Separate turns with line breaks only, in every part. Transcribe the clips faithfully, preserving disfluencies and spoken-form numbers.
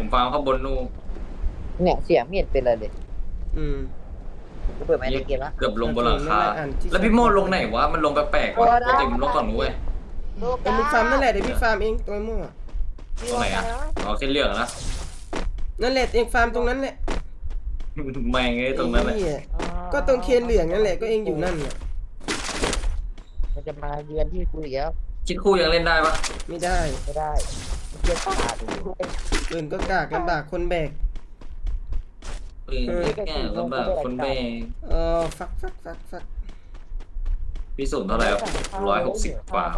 ฟาร์มข้างบนนู่น
เนี่ยเสียงไม่เห็นเป็นอะไรเลย
อืม
กูเปิดไมค์ในเกมละ
เกือบลงบนหลังคา
อ่านที่
แล้วพี่โม่ลงไหนวะมันลงแปลกๆวะปกติมันลงฝั่งนู้นเว้ย
ลูก
เออมึงฟาร์มนั่นแหละเดี๋ยวพี่ฟาร์มเองตัวไอ้โม่อะ
ตรงไหนอ่ะอ๋อเส้นเหลืองนะ
นั่นแหละเองฟาร์มตรงนั้นแหละ
แม่งไอ้ตรงนั้นแหละ
ไอ้เหี้ยก็ตรงเคนเหลืองนั่นแหละก็เองอยู่นั่นน่ะ
มันจะมาเยือนที่กูอีกแล้ว
คิดคู่ยังเล่นได้ปะ
ไม่ได้
ไม่ได้มันเยือนป่าดู
ปืนก็กากลำบากคนแบก
ปืนแก่ลำบากคนแบก
เออฟักฟักฟักฟัก
พี่สูงเท่าไหร่ร้อยหกสิบกว่า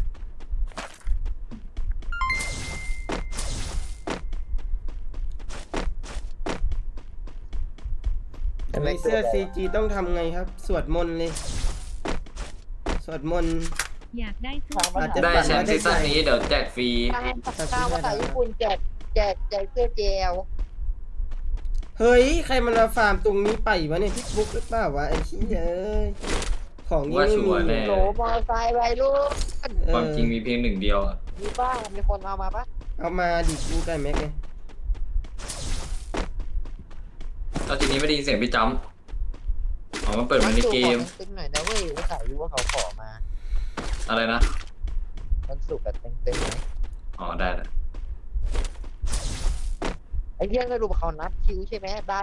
มีเสื้อ ซี จี ต้องทำไงครับ สวดมนต์เลย สวดมนต์
อยากได้เสื้อ
อาจจะ
ได้แชมป์ซีซั่นนี้เดี๋ยวแจกฟรี
ข้าวภาษาญี่ปุ่นแจกแจกแจกเสื้อเจล
เฮ้ย ใครมันมาฟาร์มตรงนี้ไปวะเนี่ยพี่บุ๊กหรือเปล่าวะไอ้ขี้ยเอ้ยของนี้
ว่า
ไม่
ชั
มี
วร์แน่
โหลมอไซค์ไปลูก
เออ
ความจริงมีเพียงหนึ่งเดียวอะ
มีบ้างมีคนเอามาปะ
เอามาดิกูไก่แม็กไง
แล้วทีนี้ไม่ได้ยินเสียงพี่จำอ๋อมันเปิดมาในเกม
ตึงหน่อยนะเว้ยว่าขายรู้ว่าเขาขอมา
อะไรนะ
มันสุกแบบเต็มๆไหม
อ๋อได้แล้ว
ไอ้เรื่องสรุปเขานับคิวใช่ไหมได้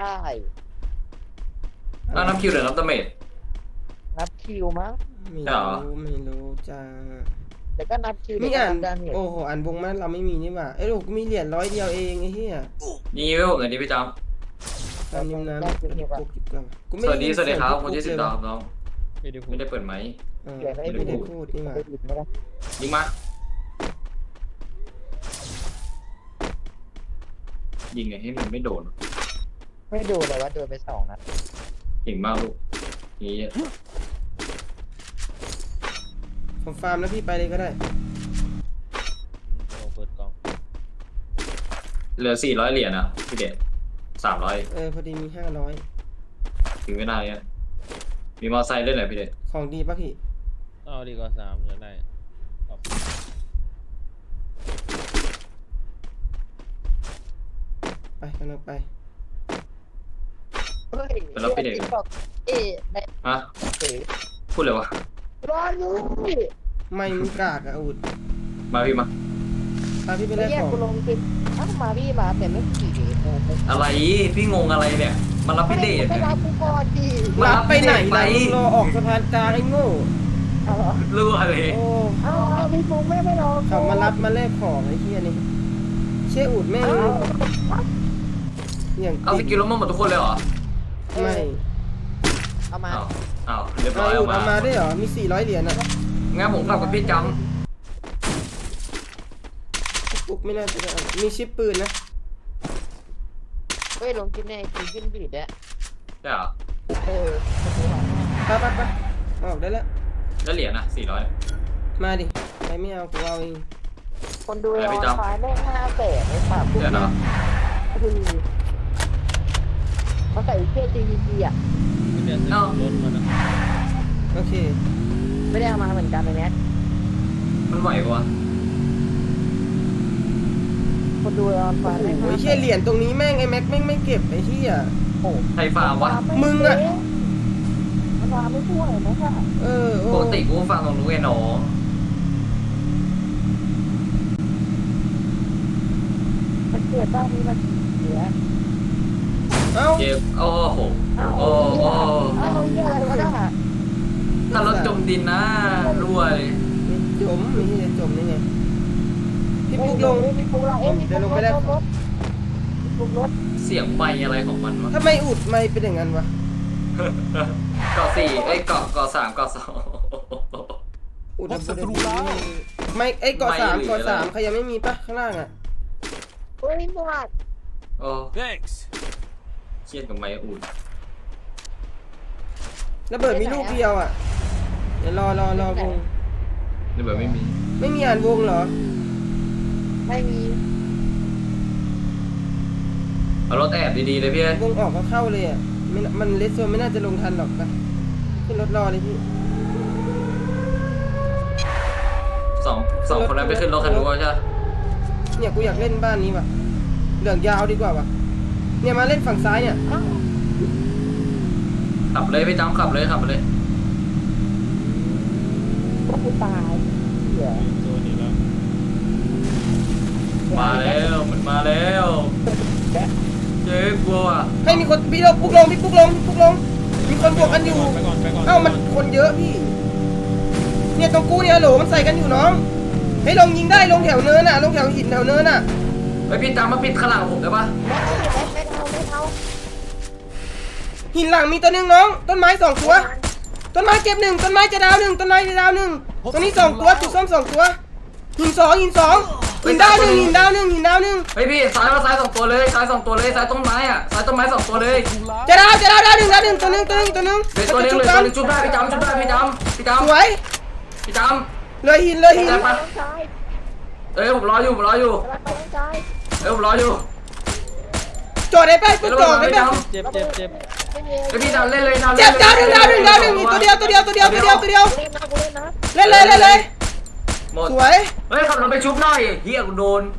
แล้วน้ำคิวหรือน้ำตะเมด
นับคิวมั้ง
ไม่
ใช่เหรอ
รู้ไม่รู้จ้า
แต่ก็นับคิว
ไม่อ่าน
ดาเมจ
โอ้โหอ่านวงมันเราไม่มีนี่หว่าไอ้ลูกมีเหรียญร้อยเดียวเองไอ้เหี้ย
ยิงไว้ผมหน่อยดิพี่จ
ตามนิ้วน้ำปุ๊กจิบก่อนกู
ำ
ไม่
สวัสดีสวัสดีครับคน
เสี
ที่
ยง
สิบ
ปุ๊
ดาว
ก
น้อง
ไม่ได้พู
ไม่
ด
ได้เปิดไหม
เออ
เดี๋ยว
ไม่
ไม่
ได้
ได้
พูดนี่หว่า
ไม่ได้ไม่ได้
ยิงมายิงไงให้มันไม่โดน
ไม่ดูเลยว่าโดนไปสองนัด
เก่งมากลูกนี่
ผมฟาร์มแล้วพี่ไปเลยก็ได้
เราเปิดกล่อง
เหลือสี่ร้อยเหรียญอ่ะพี่เดชสามร้อย
เออพอดีมีห้าร้อย
ถึงเวลาเนี้ยมีมอไซค์ด้วยเหรอพี่เดช
ของดีป่ะพี่
เอาดีกว่าสามอยากได้ครับ
ไปกันเราไป
เฮ้ย
เป็นรับพี่เดช
เอ๊ะใน
ฮะ
เอ๋
พูดเลยวะ
รออยู่
ไม่มึงกากอะอุด
มาพี่มา
พาพี่ไป
ไม่
แลก
แยก
ของ
กูลงคืออ้าวมาพี่มาแต่ไม่ขี่โอ้โห
อะไรพี่งงอะไรเนี่ยมารับพี่เดช
ไม่
เนี่ย
รับกูก่อนดิ
มา
รับไปไหน
ไป
ล่ะมึงรอออกสะพานกลางไอ้โง่
เอาเหรอ
รู้อะไร
โอ้
เอาเอาพี่ฟุงไม่ไม่รอ
เขามารับมาแลกของไอ้เหี้ยนี่เชี่ยอุดแม่ง
เอา
อย่าง
เอาสกิลล้มหมดทุกคนเลยเหรอ
ไม่
เอามา
อ้าวอ้าวเรียบร้
ไอ้
อย
อุ
เอา
ด
มา
เอามาได้เหรอมีสี่ร้อยเหรียญอะ
งั้นผมกลับกับพี่จ
ปุ๊กไม่น่าจะได้เอามีชิปปืนนะ
เฮ้ยลงกินในไอจีขึ้นบีดเนี่ย
ำใช่เหรอ
เออ
ไปไปไปออกได้แล้ว
แล้วเหรียญอ่ะสี่ร้อย
มาดิใครไม่เอากูเอาเอง
คนดูออนไลน์แม่งห้าแสนไอ้ปาก
เดี๋ยวนะ
คือเขาใส่เสื้อ จี วี จี อ่ะ
ไม่ได้ซื้อรถมานะ
โอเค
ไม่ได้เอามาเหมือนกันเลยเนี่ย
มันไหวปะวะ
คนดูออนไล
โอ้
น์
โห
แม่ง
ไอ้เชี่ยเหรียญตรงนี้แม่งไอ้แม็กแม่งไม่เก็บไอ้เชี่ย
โอ้
ไทยฟาร์มวะ
มึงอะ
มันมาไม่ช่วยนะค่ะ
เออโอ้
ปกติกูฟังตรงนู้นไงน้อง
มันเกิดบ้านนี้มันเสีย
เอ้า
เจ็บโอ้โห
เอา
โอ้โห
เอาเหี้ยอะไรวะเนี่ย
ถ้ารถจมดินนะรั่วเลย
จมไม่ใช่จะจมได้ไงพี่ปุ๊กลง
พี่ปุ๊กลงเอ้ยพี่ปุ๊กลงรถพี่ปุ๊กรถ
เสียงไมค์อะไรของมันวะ
ทำไมอุดไม่เป็นอย่างนั้นวะ
เกาะสี่เอ้ยเกาะเกาะสามเกาะสอง
อุดศัตรูแล้วไม่ไอ้ยเกาะสาม
ไม่เหลือ
เกาะสาม
อะไร
ใครยังไม่มีปะข้างล่างอ่ะ
เฮ้ยหมด
โอ้
thanks
เครียดกับไมค์อุ่น
ระเบิดมีลูกเดียวอ่ะเดี๋ยวรอรอรอวง
นี่แบบไม่มี
ไม่มีอ่านวงเหรอ
ไม่มี
เอารถแอบดีๆเลยพี่
วงออกก็เข้าเลยอ่ะไม่น่ามันเลสโซนไม่น่าจะลงทันหรอกไปขึ้นรถรอเลยพี่
สองสองคนนั้นไปขึ้นรถคันนู้นใช่ไหม
เนี่ยกูอยากเล่นบ้านนี้ว่ะเหลืองยาวดีกว่าวะเนี่ยมาเล่นฝั่งซ้ายเนี่ย
อ้าว
ขับเลยพี่จำขับเลยขับไปเลย
กูตายเหี้ย
ตัวนี้แล้ว
มาแล้วมันมาแล้วเจ๊กลัวอ่ะ
ให้มีคนพี่เราปุ๊กลงพี่ปุ๊กลงพี่ปุ๊กลงมีคนบวกกันอยู่
ไปก่อนไปก่อน
เอ้ามันคนเยอะพี่เนี่ยตรงกูเนี่ยโหลมันใส่กันอยู่น้องให้ลงยิงได้ลงแถวเนินน่ะลงแถวหินแถวเนินน่ะ
เฮ้ยพี่จำมาปิดข้างหลังผมได้ปะ
ไม่เอาไม่เอาไม่เอา
หินหลังมีตัวหนึงน้องต้นไม้สองตัวต้นไม้เจ็บหนึ่งต้นไม้จะดาวหนึ่งต้นไม้จะดาวหนึ่งตรงนี้สองตัวจุดส้มสองตัวหินสองหินสองหินดาวหนึ่งหินดาวหนึ่งหินดาวหนึ่ง
เฮ้ยพี่ซ้ายมาซ้ายสองตัวเลยซ้ายสองตัวเลยซ้ายต้นไม้อ่ะซ้ายต้นไม้สองตัวเลย
จะดาวจะดาวดาวหนึ่งดาวหนึ่งตัวหนึ่งตัวหนึ่งตัวหนึ่ง
เดี๋ยวตัวเล็กเลยตัวเล็กจุ๊บได้พี่จำจุ๊บได้พี่จำพี่จ
สวย
ำพี่จ
เลยหินเลยหิน
น้องชาย
ำเอ้ยผมรออยู่ผมรออยู่
กำลังไปน้องชาย
เอ้ยผมรออยู่
จอดได้ป่ะกูจอดได้
พี่
ป่ะ
จำ
เจ็บเจ็บเจ็บ
ไม่มี
เฮ้ยพี่จำเล่นเลยจำ
เจ็บดาวหนึ่งดาวหนึ่งดาวหนึ่งมีตัวเดียวตัวเดียวตัวเดียวตัวเดียวตัวเดียว
กูเล่นนะกูเล่นนะ
เล่นเลยเล่นเลย
หมด
สวย
เฮ้ยขับรถไปชุบหน่อยเฮียกูโดน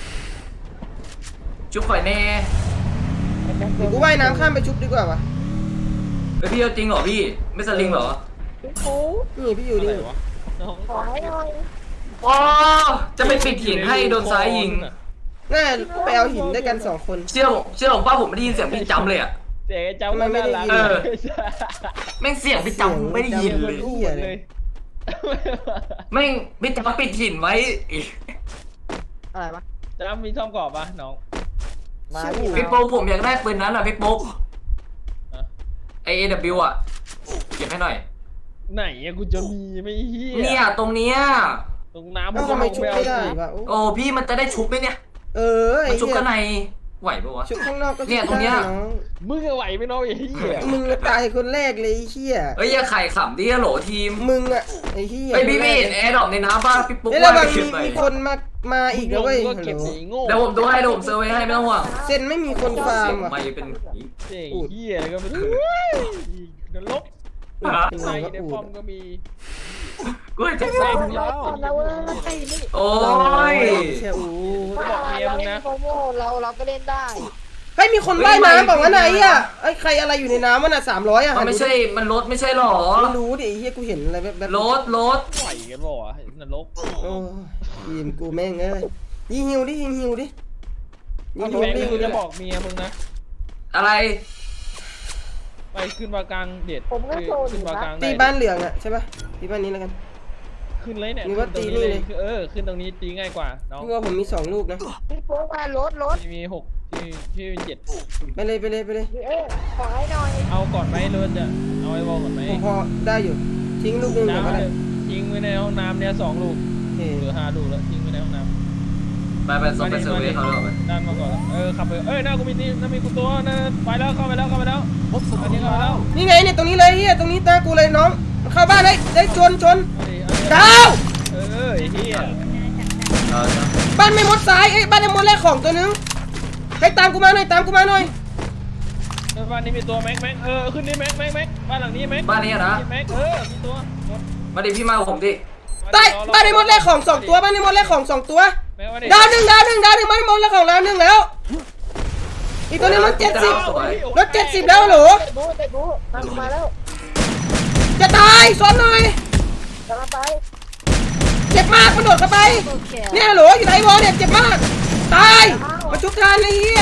ชุบข่อยแน่
เดี๋ยวกูว่ายน้ำข้ามไปชุบดีกว่าวะ
เฮ้ยพี่เอาจริงเหรอพี่ไม่สลิงเหรอ
พี่ปู
นี่พี่อยู่
อะไร
นี่
วะน้อง
ขอให้หน่อย
อ๋อจะไปปิดหินให้โดนซ้ายยิง
น่าไปเอาหินด้วยกันสองคน
เชื่อผมเชื่อผมป้าผมไม่ได้ยินเสียงพี่จำเลยอ่ะ
เจ๊เจ้า
ทำไมไม่ได้ยิน
เออ แม่งเสียงพี่จำไม่ได้ยินเลย
เหี้ยเลย
แม่งพี่จำปิดหินไว้อีก
อะไรวะ
จ้ามีซ่อมกรอบปะน้อง
มา
พี่โป๊กผมอยากได้ปืนนั้นอ่ะพี่โป๊ก
อะ
ไอเอวอ่ะเก็บให้หน่อย
ไหนอะกูจะมีไม่เฮีย
เนี่ยตรงเนี้ย
ตรงน้ำ
เอ้าทำไมชุบไม่ได้วะโอ้
โอ้พี่มันจะได้ชุบไหมเนี่ย
เออไอ้
มันชุบ
เหี้ย
ข้างในไหวปะวะ
ชุบข้างนอกก็ชุบ
เนี่ยตรงเนี้ย
ได้อง
มึงอะไหวไหมน้องไอ้เฮีย
มึงอะตายคนแรกเลยไอ้เหี้ย
เอ้ยอย่าไข่ขำดิฮัลโหลทีม
มึงอะไอ้เหี้ย
ไอพี่พี่แอร์ดรอปในน้ำป่ะพี่ปุ๊ก
เฮ้ย
ว่า
ระวัง
ไป
มี
เก็บหน่อย
มีคนมามาอีกแล้วเว้ย
ก็
ฮัล
เก็บ
โหล
สีโง่
เดี๋ยวผมดูให้เดี๋ยวผมเซอร์ไว้ให้ไม่ต้องห่วง
เซนไม่มีคนฟาร์มว่ะ
ไม่เป็นผี
เจ๊เฮียแล้วก็ไม่รู้นรก
เป็น
ใน
ไงก็
ใน
อู
ป้อ
ด
มก็มี
กูจะ
ใส่
ใส่
ยาวเราเว้ยนี่
โอ้ย
เชี่ยอูด
บอกเมียมึงนะ
โมโม่เราเราก็เล่นได้
เฮ้ยมีคนว่ายน้ำบอกว่าไหนอะไอ้ยใครอะไรอยู่ในน้ำมันอะสามร้อยอะ
มันไม่ใช่มันรถไม่ใช่หรอ
ไม่รู้ดิไอ้เหี้ยกูเห็นอะไรแบบแบบ
รถรถ
ไหวกันบ่วะนรก
โอ้ยิงกูแม่งเอ้ยยิงฮิวดิยิงฮิวดิยิงฮิว
แม่ง
ดิ
มึงจะบอกเมียมึงนะ
อะไร
ไปขึ้นมากลางเด็ด
ผมก็โซนอ
ขึ้น
ยู่
มา
นะ
กลาง
ตีบ้านเหลืองอะใช่ปะตีบ้านนี้แล้วกัน
ขึ้นเลยเนี่ย
มีว่าตีนี่เลย
เออขึ้นตรงนี้ตีง่ายกว่าน้อง
พี่ว่าผมมีสองลูกนะ
พี่ปูมารถรถ
ที่มีหกที่ที่มีเจ็ด
ไปเลยไปเลยไปเลย
เอ๊ะขอให้หน่อย
เอาก่อนไหมรถจะเอาไอ้บอลก่อนไหม
ผมพอได้อยู่ทิ้งลูกหนึงก่อนก็ได้
น้ำยิงไว้ในห้องน้ำเนี่ยสองลูก
โอเค
เหลือห้าลูกแล้วยิงไว้ในห้องน้ำ
ไปไปส่งไปเซอร์เวย์เขาเลย
ด้านมาก่อนเออขับไปเอ้ยหน้ากูมีนี่หน้ามีกูตัวนะไปแล้วเข้าไปแล้วเข้าไปแล้วอันนี้เข้าไปแล้ว
นี่ไงเนี่ยตรงนี้เลยเฮียตรงนี้ตากูเลยน้องเข้าบ้านได้ได้ชนชน
เอาดิเอาดิ
ดาว
เออไอ้เหี้ย
บ้านไม่มดซ้ายเอ้ยบ้านไม่มดแรกของตัวนึงให้ตามกูมาหน่อยตามกูมาหน่อย
เออบ้านนี้มีตัวแม็กแม็กเออขึ้นนี่แม็กแม็กแม็กบ้านหลังนี้แม็ก
บ้านนี้นะ
แม็กเออมีตัวหมด
มาดิพี่มากับผมดิ
ใต้บ้านไม่มดแรกของสองตัวบ้านไม่มดแรกของสองตัว
แม็กว่าดิ
ดาวหนึ่งดาวหนึ่งดาวหนึ่งบ้านไม่มดแรกของดาวหนึ่งแล้วอีกตัวนึงรถเจ็ดสิบรถเจ็ดสิบแล้วเหรอ
เตะบูเตะบูมามาแล้ว
จะตายซ้อนหน่อย
กำลังไป
เจ็บมากมันโดดเข้าไปเนี่ยเหรออยู่ไหนวะเนี่ยเจ็บมากตายมาชุบทานเลยเฮีย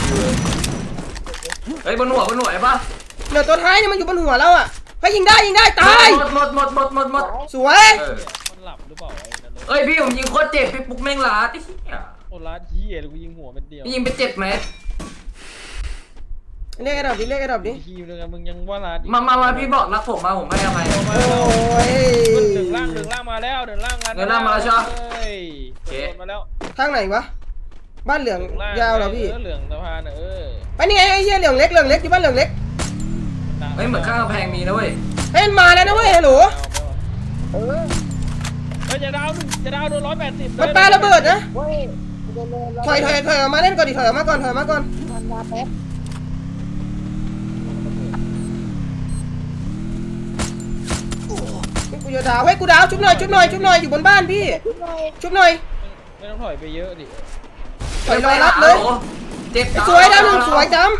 เฮ้ยบนหัวบนหัวไอ้ป่ะ
เดี๋ยวตัวท้ายเนี่ยมันอยู่บนหัวแล้วอ่ะให้ยิงได้ยิงได้ตาย
หมดหมดหมดหมดหมดหมด
สวย
เออ
มันหลับหรือเปล่าไอ้นั่นเลย
เอ้ยพี่ผมยิงโคตรเจ็บพี่ปุ๊กแม่งลาดไอ้เหี้ย
โอ้ร้านเหี้ยเลยกูยิงหัวเป็นเดียว
พี่ยิงไปเจ็บไหม
เรียกไอ้ดอกดิเรียกไอ้ดอกดิ
ทีมเดียวกันมึงยังว่าร้าน
มามามาพี่บอกรักผมมาผมให้อภัย
มา
โอ้
แล้ว
ย
หนึ่งล่างหนึ่งล่างมาแล้วหนึ่งล่าง
เดินล่างมาแล้วใช่ปะ
เฮ้ยโดนมาแล้ว
ทางไหนวะบ้านเหลือง
หนึ่งล่าง
ยาวเหรอพี่
เออเหลืองสะพานเออ
ไปนี่ไงไอ้เหี้ยเหลืองเล็กเหลืองเล็กอยู่บ้านเหลืองเล็ก
เฮ้ยเหมือนข้างกำแพงมีนะเว้ย
เฮ้ยมันมาแล้วนะเว้ยฮัลโหล
เออ
เฮ้ยจะดาวจะดาวโดนร้อยแปดสิบ
มันปาระเบิดนะ
เว้ยเดินเลย
ถอยถอยถอยออกมาเล่นก่อนดิถอยออกมาก่อนถอยออกมาก่อน
มันมาแป๊บ
นี่กูจะดาวเฮ้ยกูดาวชุบหน่อยชุบหน่อยชุบหน่อยอยู่บนบ้านพี่
ขึ้นหน่อย
ชุบหน่อย
ไม่ต้องถอยไปเยอะดิ
ถอยรอรับเลย
โอ้เจ็บ
สวยดาวหนึ่งสวยจ้ำ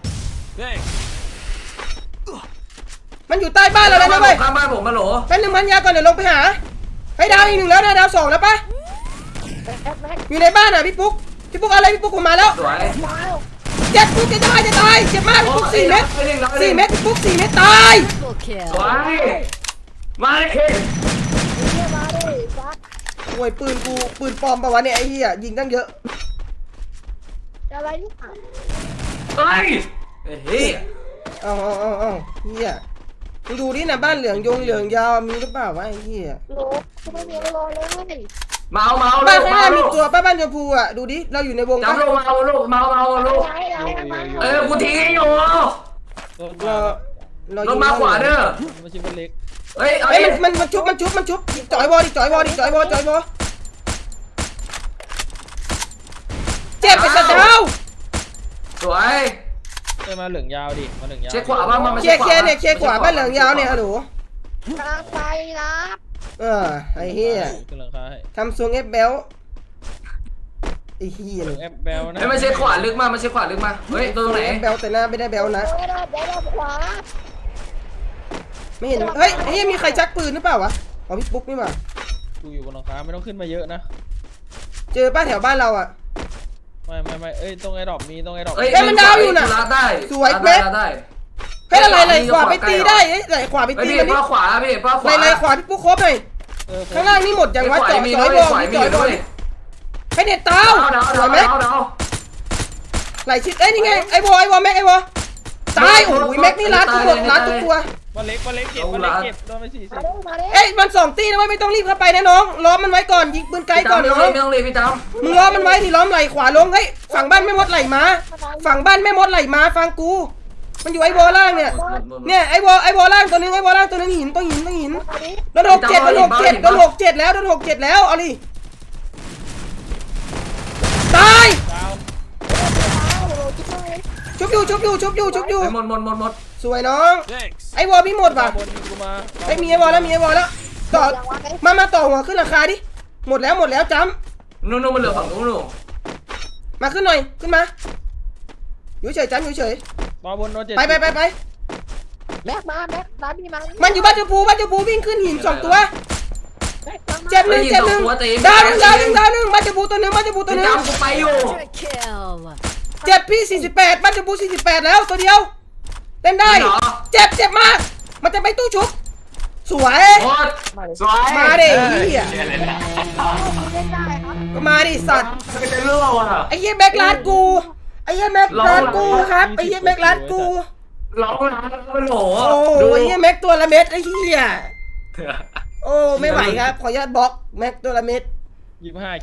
มันอยู่ใต้บ้านเราแล้วนะเว้ย
ข้างบ้านผมมาโหล
แป๊บนึงมันยาก่อนเดี๋ยวลงไปหาให้ดาวอีกหนึ่งแล้วนะดาวสองแล้วปะ
แม็กแม็กแม็ก
อยู่ในบ้านอ่ะพี่ปุ๊กพี่ปุ๊กอะไรพี่ปุ๊กผมมาแล้ว
สวย
ดาว
เจ็บปุ๊กจะตายจะตายเจ็บมากพี่ปุ๊กสี่เม็ดสี่เม็ดพี่ปุ๊กสี่เม็ดตาย
สวยมาเลย
เฮียมาดิซัก
โอ้ยปืนกูปืนปลอมปะวะเนี่ยไอ้เหี้ยยิงตั้งเยอะ
อะไรนี่
เฮ้ยเฮ้ย
เอาเอาเอาเอาเหี้ยมึงดูดินะบ้านเหลืองยงเหลืองยาวมีหรือเปล่าวะไอ้เหี้ย
โลกูไม่มีอะไรรอเลย
เมาเมา
บ้าน
ลูก
ข้างห
เมา
น้ามี
ลูก
ตัวป้าบ้านชมพูอ่ะดูดิเราอยู่ในวงปะ
จำลูกเมาลูกเมาเมาลูก
ไหนไหนไหน
เออกูทิ้งให้อยู่
รถ
เรา
มา
เรา
ลงมาขวาเด้อ
ไม่ใช่คนเล็ก
เฮ้ยเอา
เฮ้ย
ดิ
มันมันมันชุบมันชุบมันชุบจ่อยวอดิจ่อยวอดิจ่อยวอจ่อยวอเจ็บไปสัตว์เท้า
สวย
เอ้ยมาเหลืองยาวดิมาเหลืองยาว
เช็คขวาบ้างมา
เคลียร์เคลียร์เนี่ยเคลียร์ขวาบ้านเหลืองยาวเนี่ยฮัลโหล
กลางไปนะ
เออไอ้เหี้ย
ขึ้นหลังคาให้
ทำทรงเอฟเบลไอ้เหี้ย
เหลืองแอปแบลนะ
เฮ้ยมาเช็คขวาลึกมามาเช็คขวาลึกมาเฮ้ยตรงไหน
เอฟเบลแต่หน้าไม่ได้เบลนะ
เดี๋ยวเราเดี๋ยวเราขวา
ไม่เห็นเฮ้ยไอ้เหี้ยมีใครชักปืนหรือเปล่าวะอ๋อพี่ปุ๊กนี่หว่า
กูอยู่บนหลังคาไม่ต้องขึ้นมาเยอะนะ
เจอป้าแถวบ้านเราอ่ะ
ไม่ไม่ไม่เอ้ยตรงไอ้ดอกมีตรงไอ้ดอก
เอ้ยมันดาวอยู่น่ะ
ลาดได้
สวย
ลาด
เป๊ะ
ได้ลาดได้
เฮ้ยอะไรไหลขวาไปตีได้เอ้ยไหลขวาไป
เฮ้ย
ตี
พี่
มันนี่
ป้าขวาพี่ป้าข
ไหล
วา
ไหลขวาพี่ปุ๊กครบหน่อย
เออ
ข้างล่างนี่หมดยังวะจ่อยจ่อยบอล
ขวามี
จ่อยบอล
ด้วย
ให้เน็ตเต้า
ดาว
ส
ดาว
วยไหม
ดาวดาว
ไหลชิดเอ้ยนี่ไงไอ้บอลไอ้บอลแม็กไอ้บอลตายโอ้ยแม็กนี่รัดทุกคนรัดทุกตัว
วันเล็กวันเล็กเจ็บวันเล็กเจ็บโดนไปสี่สิ
มา
บ
ดิมาดิ
เอ้ยมันสองตีนะเว้ยไม่ต้องรีบเข้าไปนะน้องล้อมมันไว้ก่อนยิงปืนไกล
พี่
ก่อน
จำ
น้
ไม่
อง
ต้องรีบพี่จ
มึงล้อมมันไว้ที่ล้อมไหลขวาลงเฮ้ยฝั่งบ้านไม่มดไหลมาฝั่งบ้านไม่มดไหลมาฟังกู มันอยู่ไอ้บอลล่างเนี่ย
ำ
เนี่ยไอ้บอลไอ้บอลล่างตัวนึงไอ้บอลล่างตัวนึงหินต้องหินต้องหิน
มาดิ
โดนหกเจ็ดโดนหกเจ็ดโดนหกเจ็ดแล้วโดนหกเจ็ดแล้วเอาดิตาย
ดาว
โลจิ๊บเลย
ชุบอยู่ชุบอยู่ชุบอยู่ชุบอยู่
หมดหมดหมดหมด
สวยน้องไอ้บอลพี่หมดป่ะ
บนกูมา
ไอ้มีไอ้บอลแล้วมีไอ้บอลแล้วต่อ
อย่างวะไอ้
มามาต่อหัวขึ้นราคาดิหมดแล้วหมดแล้วจ้
นู่นนู่นมันเหลือฝั่งนู้นนู่น
ำมาขึ้นหน่อยขึ้นมาอยู่เฉยจ้ำอยู่เฉย
บอลบนโดนเจ็ด
ไปไปไปไป
แม็กมาแม็กร้านพี่มา
มันอยู่บ้านชมพูบ้านชมพูวิ่งขึ้นหินสองตัว
แม็กมา
เจ็บหนึ่งเจ็บหนึ่งดาวหนึ่งดาวหนึ่งดาวหนึ่งบ้านชมพูตัวหนึ่งบ้านชมพูตัวห
พี่
นึ่ง
จำกูไปอยู่
เจ็บพี่สี่สิบแปดบ้านชมพูสี่สิบแปดแล้วตัวเดียวเล่นได้
เหรอ
เจ็บเจ็บมาก มันจะไปตู้ชุบ สวย
หมด
มาดิ
สวย
มาดิเฮีย
เล่นได้ครับ
ก็มาดิสัตว์
ไม่จะเลือกอ่ะ
ไอ้เหี้ยแบ็คลาดกูไอ้เหี้ยแบ็คลาดกูครับไอ้เหี้ยแบ็คลาดกู
ร้องนะมันโหล
โอ้ไอ้เหี้ยแม็กตัวละเม็ดไอ้เหี้ยโอ้ไม่ไหวครับขออนุญาตบล็อกแม็กตัวละเม็ด
ยี่สิบห้า